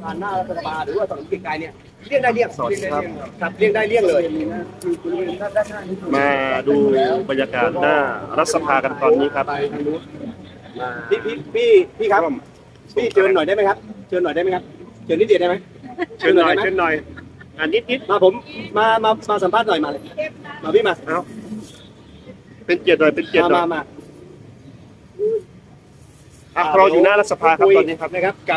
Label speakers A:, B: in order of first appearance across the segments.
A: ผ่านหน้ารัฐสภาหรือว่าถนนเกียรติกายเนี่ยเลี่ยงได้เลี่ยง
B: สวัสดีครับ
A: ครับเลี่ยงได้เลี่ยงเลย
B: มาดูบรรยากาศหน้ารัฐสภากันตอนนี้ครับ
A: พี่ครับพี่เชิญหน่อยได้ไหมครับเชิญหน่อยได้ไหมครับเชิญนิดเดียวได้ไหม
B: เชิญหน่อยนิด
A: มาผมมาสัมภาษณ์หน่อยมาเลยมาพี่มา
B: เอาเป็นเกียรติหน่อย
A: มา
B: เราอยู่หน้ารัฐสภาครับตอนนี้ครับ
A: นะครับกับ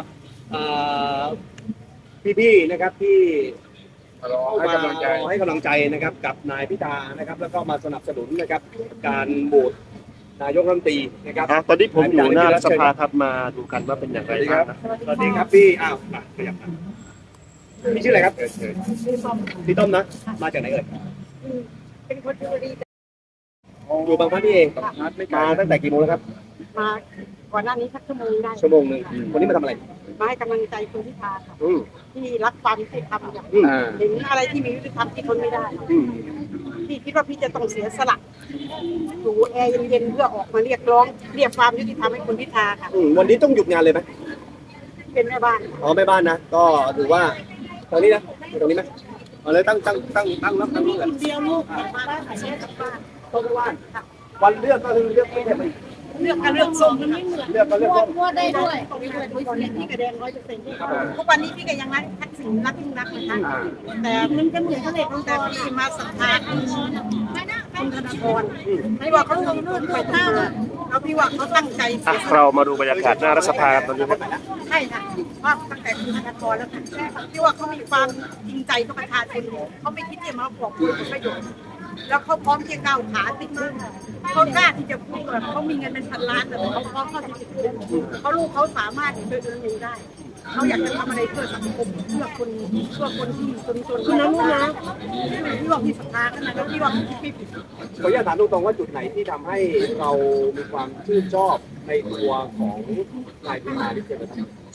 A: พี่ๆนะครับที่ให้กำลังใจนะครับกับนายพิธานะครับแล้วก็มาสนับสนุนนะครับการโหวตนายกรัฐมนตรีนะครับ
B: ตอนนี้ผมอยู่หน้ารัฐสภาครับมาดูกันว่าเป็นอย่างไรบ้างนะ
A: สวัสดีครับพี่มาขยับมาพี่ชื่ออะไรครับพี่ต้อมนะมาจากไหนเอ่ย
C: เป็นคนชลบุรี
A: อยู่บางพลัดนี่เองมาตั้งแต่กี่โมงแล้วครับ
C: มาก่อนหน้านี้สักชั่วโมงได้
A: ชั่วโมงหนึ่งวันนี้มาทำอะไร
C: มาให้กำลังใจคุณพิธาค่ะ
A: อืม
C: ที่รักความยุติธรรมอย่าง
A: อ่า
C: เห็นอะไรที่มียุติธรรมที่ทนไม่ได้
A: อืม
C: พี่คิดว่าพี่จะต้องเสียสละอยู่แอร์เย็นๆเพื่อออกมาเรียกร้องเรียกความยุติธรรมให้คุณพิธาค่ะ
A: วันนี้ต้องหยุดงานเลยไหม
C: เป็นแม่บ้าน
A: อ๋อแม่บ้านนะก็ถือว่าตรงนี้นะตรงนี้ไหมเอาเลยตั้งแล้วตั้งนี่แหละ
C: เดียวลูกมาได้ถ่ายรูปกับบ้าน
A: ต้นว่านวันเลือกก็คือเลือกไม่ใช่ไหม
C: เลือกกันเลือกส้มมันไม่เหมือน
A: เลือกก็เลือกต้น
C: มั่วได้ด้วยตรงนี้เลยพี่กระแดง100%ทุกวันนี้พี่ก็ยังรักทักษิณรักยิ่งรักนะคะแต่มันก็เหมือนทะเลตั้งแต่พี่มาสัมภาษณ์คุณธนาธรพี่ว่าเขาลงเลือดไปท่าแล้วพี่ว่าเขาตั้งใจ
B: เรามาดูบรรยากาศหน้ารัฐสภากันตอนนี้ครับ
C: ใช่ค่ะว่าตั้งแต่คุณธนาธรแล้วค่ะพี่ว่าเขามีความจริงใจต่อประชาชนเขาไม่คิดจะมาบอกผลประโยชน์แล้วเขาพร้อมที่จะก้าวขาติดมือเขากล้าที่จะพูดแบบเขามีเงินเป็นพันล้านแต่เขาพร้อมเข้าที่จะพูดเขาลูกเขาสามารถเดินเองได้เขาอยากจะทำอะไรเพื่อสังคมเพื่อคนที่จนนะลูกนะพี่ว่าพี่ศรัทธาขนาดนั้นพี่ว่าพี่ผิด
A: ขออนุญาตถามตรงๆว่าจุดไหนที่ทำให้เรามีความชื่นชอบในตัวของนายพิธาที่เจริญ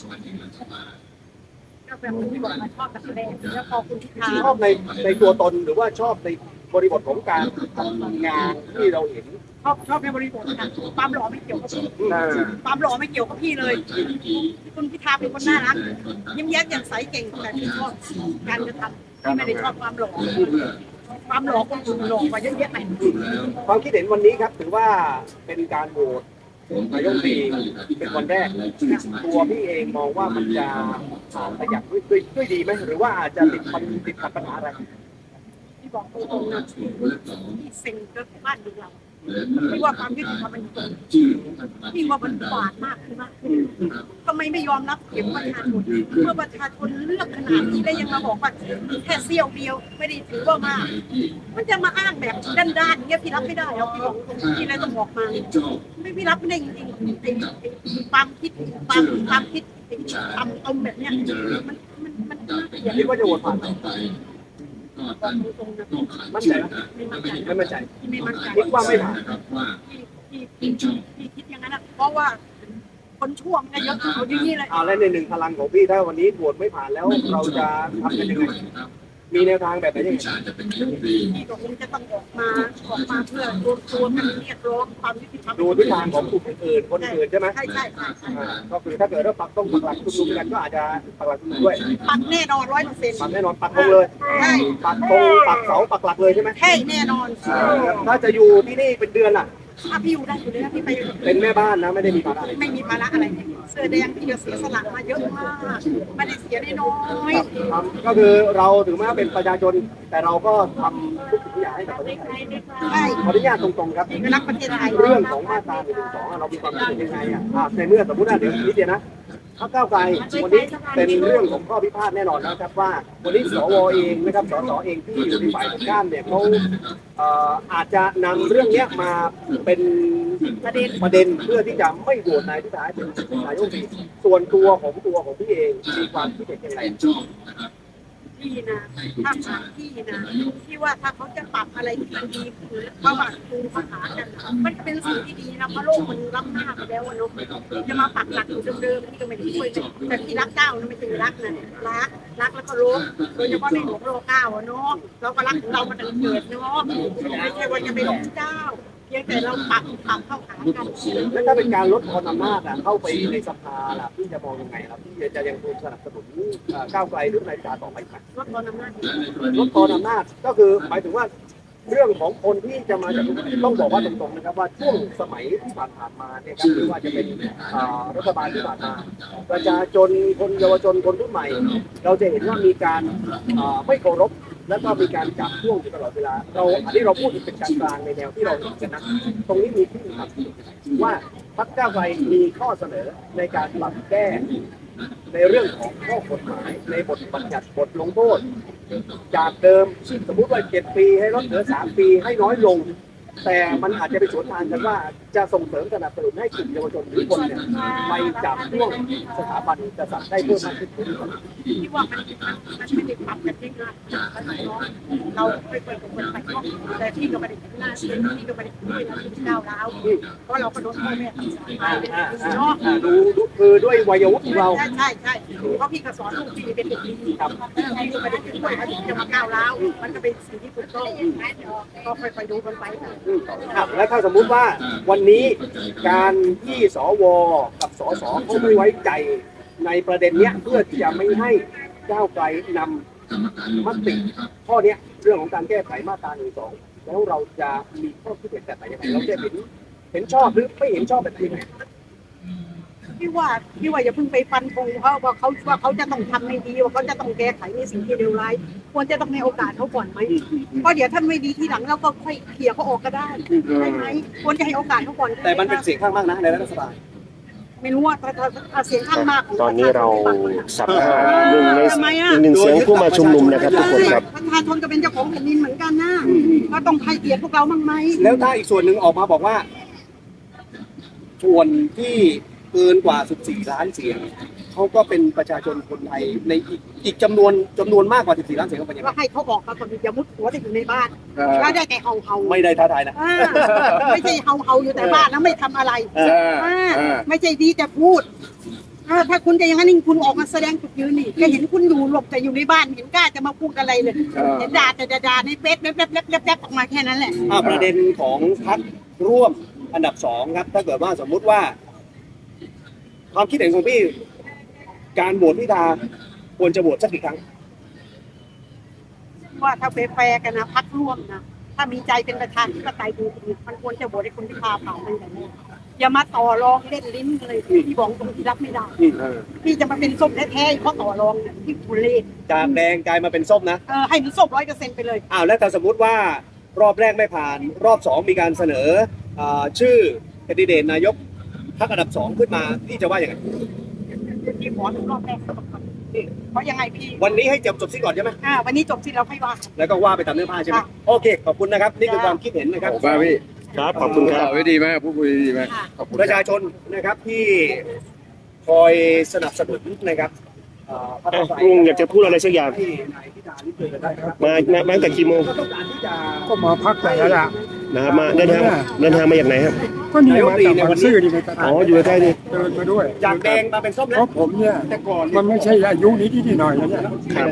C: ก็แบบที่บอกมาชอบกับแรงแล้วพอคุณพิธา
A: ชอบในตัวตนหรือว่าชอบในบริบทของการทำงานที่เราเห็น
C: ชอบในบริบทค่ะความหล่อไม่เกี่ยวกับพี่ความหล่อไม่เกี่ยวกับพี่เลยคุณพิธาเป็นคนน่ารักยิ้มแย้มแจ่มใสเก่งแต่พี่ชอบการกระทำพี่ไม่ได้ชอบความหล่อความหล่อคนอื่นหล่อกว่าเยอะแยะไป
A: ความคิดเห็นวันนี้ครับถือว่าเป็นการโหวตนายกรัฐมนตรีเป็นวันแรกตัวพี่เองมองว่ามันจะผ่านไปอย่างด้วยดีไหมหรือว่าอาจจะติดขัดปัญหาอะไร
C: พี่บอกตรงๆนะพี่เซ็งเกินบ้านเมืองเราพี่ว่าความยุติธรรมมันตรงพี่ว่ามันบาดมากขึ้นมากทำไมไม่ยอมรับเสียงประชาชนเมื่อประชาชนเลือกขนาดนี้แล้วยังมาบอกว่าแค่เสี้ยวเดียวไม่ได้ถือว่ามากมันจะมาอ้างแบบด้านๆอย่างเงี้ยพี่รับไม่ได้แล้วพี่บอกตรงๆพี่เลยต้องบอกมาไม่พี่รับไม่ได้จริงๆไอ้ความคิดเอาแบบเนี้ยมัน
A: คิดว่าจะโหวตผ่านไหม
C: บอกตรงๆนะ
A: มั่นใจไหม
C: ไม่มั่นใจ
A: ไม่มั่นใจ
C: ไม่มั่นใจ
A: คิดว่าไม่ผ่าน
C: พี่คิดอย่างนั้นนะเพราะว่าคนชั่วมันเยอะเอาอย่างนี้เลย
A: และในหนึ่งพลังของพี่ถ้าวันนี้โหวตไม่ผ่านแล้วเราจะทำกันยังไงมีแนวทางแบบไหนยังไง
C: พี่ก็คงจะต้องออกมาเพื่อรวมตัวกันเรียกร้องความยุติธรรม
A: ดูทิศทางของกลุ่มอื่นคนอื่นใช่ไหม
C: ใช่
A: ก็คือถ้าเกิดว่าปักต้องปักหลักชุมนุมกันก็อาจจะปักหลักชุมนุมด้วย
C: ปักแน่นอน100%
A: ปักแน่นอนปักธงเลย
C: ใช่
A: ปักธงปักเสาปักหลักเลยใช่ไหม
C: ใช่แน่นอน
A: ถ้าจะอยู่ที่นี่เป็นเดือนล่ะ
C: ถ้าพี่อยู่ได้อยู่เลยนะพี่ไป
A: เป็นแม่บ้านนะไม่ได้มีภาระอะไร
C: ไม่มีภาระอะไรเสื้อแดงพี่เสียสละมาเยอะมากไม่ได้เสียน้อย
A: ก็คือเราถึงแม้เป็นประชาชนแต่เราก็ทำทุกสิ่งทุกอย่างให้กับประเทศไทย
C: ใช่
A: ขออนุญาตตรงๆครับ
C: พี่ก็รักประเทศไทย
A: เรื่องของมาตรา112เรามีความคิดเห็นยังไงในเมื่อสมมติว่าเดี๋ยวนิดเดียวนะพรรคก้าวไกลวันนี้เป็นเรื่องของข้อพิพาทแน่นอนนะครับว่าวันนี้สวเองนะครับสสเองที่อยู่ในฝ่ายตรงข้ามเนี่ยเขาอาจจะนำเรื่องนี้มาเป็นประเด็นเพื่อที่จะไม่โหวตนายพิธาเป็นนายกรัฐมนตรีส่วนตัวของพี่เองมีความคิดเห็นยังไง
C: พี่นะถ้าผ่านพี่นะที่ว่าถ้าเขาจะปรับอะไรที่มันดีคือประวัติภูมิภาษากันมันเป็นสิ่งที่ดีนะเพราะโลกมันล้ำหน้าไปแล้วอะเนาะจะมาปักหลักอยู่เดิมๆพี่ก็ไม่ได้ช่วยแต่ที่รักเจ้านะไม่ใช่รักนะรักแล้วก็รู้โดยเฉพาะในหลวงรัชกาลที่ 9อะเนาะเราก็รักของเรามาตั้งแต่เกิดเนาะไม่ใช่ว่าจะไปหลงเจ้าพียงแต่เราปรับเข้าหากัน
A: แล้วถ้าเป็นการลดทอนอำนาจเข้าไปในสภาล่ะพี่จะมองยังไงครับพี่จะยังคงสนับสนุนก้าวไกลหรือนายพิธาต่อไปไหม
C: ลดทอนอำนาจ
A: ลดทอนอำนาจก็คือหมายถึงว่าเรื่องของคนที่จะมาจากต้องบอกว่าตรงๆนะครับว่าช่วงสมัยที่ผ่านมาเนี่ยครับไม่ว่าจะเป็นรัฐบาลที่ผ่านมาประชาชนคนเยาวชนคนรุ่นใหม่ เราจะเห็นว่ามีการไม่เคารพแล้วก็มีการจับช่วงอยู่ตลอดเวลาอันนี้เราพูดเป็นกลางๆในแนวที่เราเห็นกันนะตรงนี้มีที่ครับว่าพรรคก้าวไกลมีข้อเสนอในการปรับแก้ในเรื่องของข้อกฎหมายในบทบัญญัติบทลงโทษจากเดิมสมมุติว่า7 ปีให้ลดเหลือ3 ปีให้น้อยลง แต่มันอาจจะไปสวนทางกันว่าจะส่งเสริมสนับสนุนให้กลุ่มเยาวชนหรือคนเนี่ยไปจับช่วงสถาบันกษัตริย์ได้เพิ่มมากขึ้น
C: ที่ว่ามันไม่ได้ปรับกันง่ายๆเราไปเปิดกับคนไปก็แต่ที่ก็ไม่ได้หน้าที่ก็ไม่ได้ด้วยนะที่ก้าวร้าวเพราะเราก็โดนพ่อแม่ทำสายไปเนาะ
A: ดูคือด้วยวัยวุฒิของเรา
C: ใช่เพราะพี่ก็สอนลูกพี่เป็นเด็กดีครับพี่ก็ไม่ได้ถึงว่าจะมาก้าวร้าวมันก็เป็นสิ่งที่ถูกต้องก็ค่อยๆดูกันไป
A: แล้วถ้าสมมุติว่าวันนี้การที่สวกับสสเขาไม่ไว้ใจในประเด็นเนี้ยเพื่อที่จะไม่ให้ก้าวไกลนำมติข้อเนี้ยเรื่องของการแก้ไขมาตรา1 2แล้วเราจะมีข้อคิดเห็นแบบไหนยังไงเราจะเห็นชอบหรือไม่เห็นชอบแบบไหน
C: พี่ว่าอย่าเพิ่งไปฟันธงว่าเขาจะต้องทำไม่ดีว่าเขาจะต้องแก้ไขในสิ่งที่เลวร้ายควรจะต้องให้โอกาสเขาก่อนไหมเพราะเดี๋ยวท่านไม่ดีทีหลังเราก็ค่อยเคลียร์เขาออกก็ได้ใช่ไหมควรจะให้โอกาสเขาก่อน
A: แต่มันเป็นเสียงข้างมากนะในรัฐสภา
C: ไม่รู้ว่าถ้าเสียงข้างมากของ
B: ตอนนี้เราสัมภาษณ์หนึ่งในอีกหนึ่งเสียงผู้มาชุมนุมนะครับทุกคนครับ
C: ประชาชนก็เป็นเจ้าของแผ่นดินเหมือนกันนะก็ต้องให้เกียรติพวกเราบ้างไหม
A: แล้วถ้าอีกส่วนหนึ่งออกมาบอกว่าส่วนที่เกินกว่า14 ล้านเสียงเขาก็เป็นประชาชนคนไทยในอีกจำนวนมากกว่า14 ล้านเสียงเขาเป็นยังไง
C: ก็ให้เขาออกมาก่อนอย่ามุดหัวแต่อยู่ในบ้านแล้วได้แต่เฮา
A: ไม่ได้ท้าทายนะ
C: ไม่ใช่เฮาอยู่แต่บ้านแล้วไม่ทำอะไรไม่ใช่ดีแต่พูดถ้าคุณจะอย่างนั้นคุณออกมาแสดงจุดยืนนี่ก็เห็นคุณอยู่หลบแต่อยู่ในบ้านเห็นกล้าจะมาพูดอะไรเลยเห็นด่าแต่ด่าในเฟซแป๊บออกมาแค่นั้นแหละ
A: ประเด็นของพรรคร่วมอันดับ2ครับถ้าเกิดว่าสมมุติว่าความคิดเห็นของพี่การโหวตพิธาควรจะโหวตสักกี่ครั้ง
C: ว่าถ้าแฟร์กันนะพักร่วมนะถ้ามีใจเป็นประธานที่ปไตยดูมันควรจะโหวตให้คุณพิธาผ่านตั้งแต่แรกอย่ามาต่อรองเล่นลิ้นเลยที่บอกตรงที่รับไม่ได้พี่จะมาเป็นส้มแท้ๆเพราะต่อรองที่ทุเรศ
A: จากแดงกลายมาเป็นส้มนะ
C: ให้มันส้ม100%ไปเลย
A: แล้วถ้าสมมุติว่ารอบแรกไม่ผ่านรอบ2มีการเสนอชื่อแคนดิเดตนายกพรรคอันดับ2ขึ้นมาพี่จะว่าอย่างไร
C: พี่ขอถึงรอบแรกก่อนเพราะยังไงพี่
A: วันนี้ให้จบซิก่อนใช่ไหม
C: วันนี้จบที่เราค่อยว่า
A: แล้วก็ว่าไปตามเนื้อผ้าใช่ไหมโอเคขอบคุณนะครับนี่คือความคิดเห็นนะครับ
D: พี่
B: ครับขอบคุณครับ
D: ไว้ดีมากพูดคุยดีมากขอบคุณ
A: ประชาชนนะครับที่คอยสนับสนุนนะครับพรรค
B: ลุงอยากจะพูดอะไรสักอย่าง
A: ที่นายพิธาลิมเจริญได้ครับ
B: มาตั้งแต่กี่โมง
A: ก็ต้องการที่จะ
D: ก็มาพักแต่ละละ
B: นะครับมาเดินทางมาจากไหนครับ
D: ก็นี่มาจากบางซื่อนี่ในตลาด
B: อ๋ออยู่ใกล้ๆนี่
D: เดินมาด้วย
A: จากแดงมาเป็นส้ม
D: เพ
A: นะ
D: ราะผมเนี่ย
A: แต่ก่อน
D: มันไม่ใช่อายุนี้ที่หน่อยนะเนี่ย
B: ครับ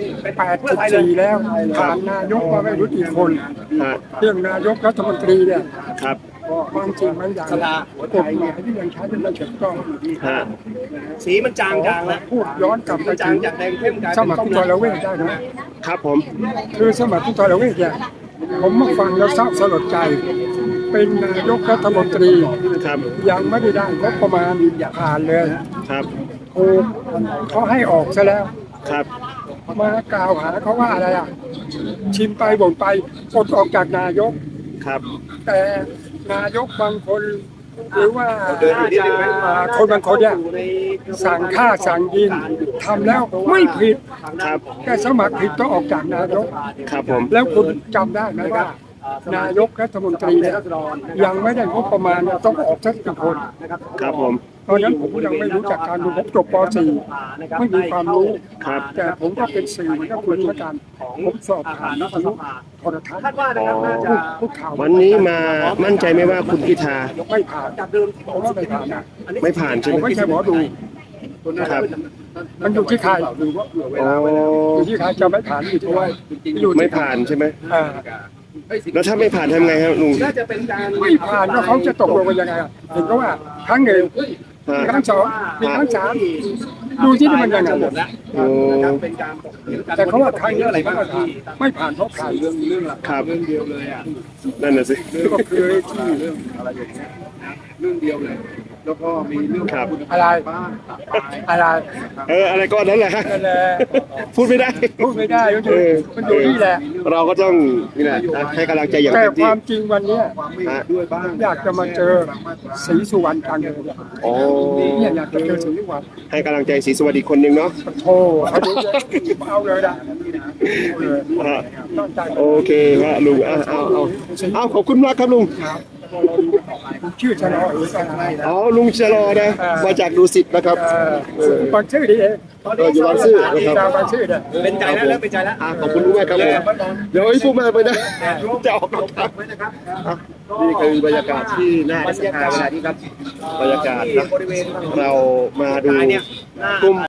D: 84แล้วผ่านนายกมาไม่รู้กี่คน
B: ฮะ
D: เรื่องนายกรัฐมนตรีเนี่ย
B: ครับ
D: ความจริงบางอย่างกฎหมายที่ยังใช้เป็นไม่ถูกต้อง
B: ฮะ
A: สีมันจางแล้ว
D: พูดย้อนกลับไป
A: จา
D: ถึ
A: ง
D: ง
A: จากแดงเข้มกลาย
D: ส
A: เป็น
D: มัคร
A: ส้ม
D: ผู้ทรเวชได้ไหม
B: ครับผม
D: คือสมัครผู้ทรเวชเนี่ยผมมาฟังแล้วเศร้าสลดใจ เป็นนายกรัฐมนตรี
B: ครับ
D: ยังไม่ได้งบประมาณผ่านเลย
B: ครับ
D: ถูกเขาให้ออกซะแล้ว
B: ครับ
D: มากล่าวหาเขาว่าอะไรชิมไปบ่นไปปลดออกจากนายก
B: ครับ
D: แต่นายกบางคนหรือว่า
A: เดินอยู่นิดนึงไหม
D: คนบางคนเนี่ยสั่งฆ่าสั่งยิงทำแล้วไม่ผิด
B: ครับ
D: แต่สมัครผิดต้องออกจากนายก
B: ครับผม
D: แล้วคุณจำได้ไหมว่านายกรัฐมนตรีเนี่ยยังไม่ได้งบประมาณต้องออกสักกี่คน
B: ครับผม
D: ตอนนั้นผมยังไม่รู้จักการดูผมจบป .4 ไม่มีความรู้
B: ครับ
D: แต่ผมก็เป็นสื่อเหมือนกับคุณเหมือนกันผมสอบถามวิทยุโทรทัศน์
A: คาดว่านะครับน่าจะ
D: พูดข่าว
B: วันนี้มามั่นใจไหมว่าคุณพิธา
D: ไม่ผ่าน
A: จากเดิมที่
D: ผมว่าไม่ผ่านนะ
B: ไม่ผ่านใช่
D: ผ
B: ไห
D: ม
B: ม
D: ไม่ใช่หมอดู
B: ครับ
D: มันอยู่ที่ใคร
B: อ๋อ
D: อยู่ที่ใครจะไม่ผ่านอยู่ที่ว่า
B: ไม่ผ่านใช่ไหม
D: อ่า
B: แล้วถ้าไม่ผ่านทำไงครับลุง
A: น่าจะเป็นการ
D: ไม่ผ่านแล้วเขาจะตกลงกันยังไงอะเห็นก็ว่าครั้งหนึ่งมีครั้งสองมีครั้งสามดูที่นี่มันยังไง
A: หมดแล้ว
B: โอ้
A: นะครับเป็นการตกเถียงกัน
D: แต่เขาว่าครั้งนี้
A: อะไรบ้าง
D: ไม่ผ่านเพราะใคร
A: เรื่องหลัก
B: ครับ
A: เรื่องเดียวเลยอ่ะ
B: นั่นน่ะสิ
D: ก็คือที่
A: เรื่องอะไรอย่างเงี้ยเรื่องเดียวเลย แล้วก็มีเรื่อง
B: ครับ
D: อะไร
A: บ้านตัดตาย
D: อะไร
B: อะไรก็นั้นแหละครับ
D: นั่นแหละ
B: พูดไม่ได้
D: พูดไม่ได้มันอยู่นี่แหละ
B: เราก็ต้องนี่แหละนะให้กำลังใจอย่าง
D: แต่
B: เต็ม
D: ค
B: ที่
D: วามจริงวันเนี้ย
A: ความไม่เห็นด้วยบ้าง
D: อยากจะมาเจอศรีสุวรรณกลางเดิน
B: โอ้
D: เนี่ยอยากจะเจอศรีสุวรรณ
B: ให้กำลังใจศรีสวัสดิ์อีกคนนึงเนาะ
D: โทรเอาดูเอาเลยนะ
B: ฮะ
D: ตั้งใจ
B: โอเคครับลุงเอาขอบคุณมากครับลุง
D: ชื่อชะลอหรืออะไร
B: อ๋อลุงชะลอนะมาจากดูสิตนะครับ
D: บางชื่อดีเอง
B: อยู่บางซื่อนะครับ
D: ดาวบางชื่อเนี่ย
A: เป็นใจแล้วเริ่มเป็นใจแล้ว
B: ขอบคุณมากครับผมเดี๋ยวให้พูดมากไปนะจะออกรถครับ
A: ไว้นะครับ
B: นี่คือบรรยากาศที่หน้า
A: บรรยากาศ
B: บรรยากาศนะ
A: บริเวณ
B: เรามาดู
A: เนี่ย
B: กลุ่ม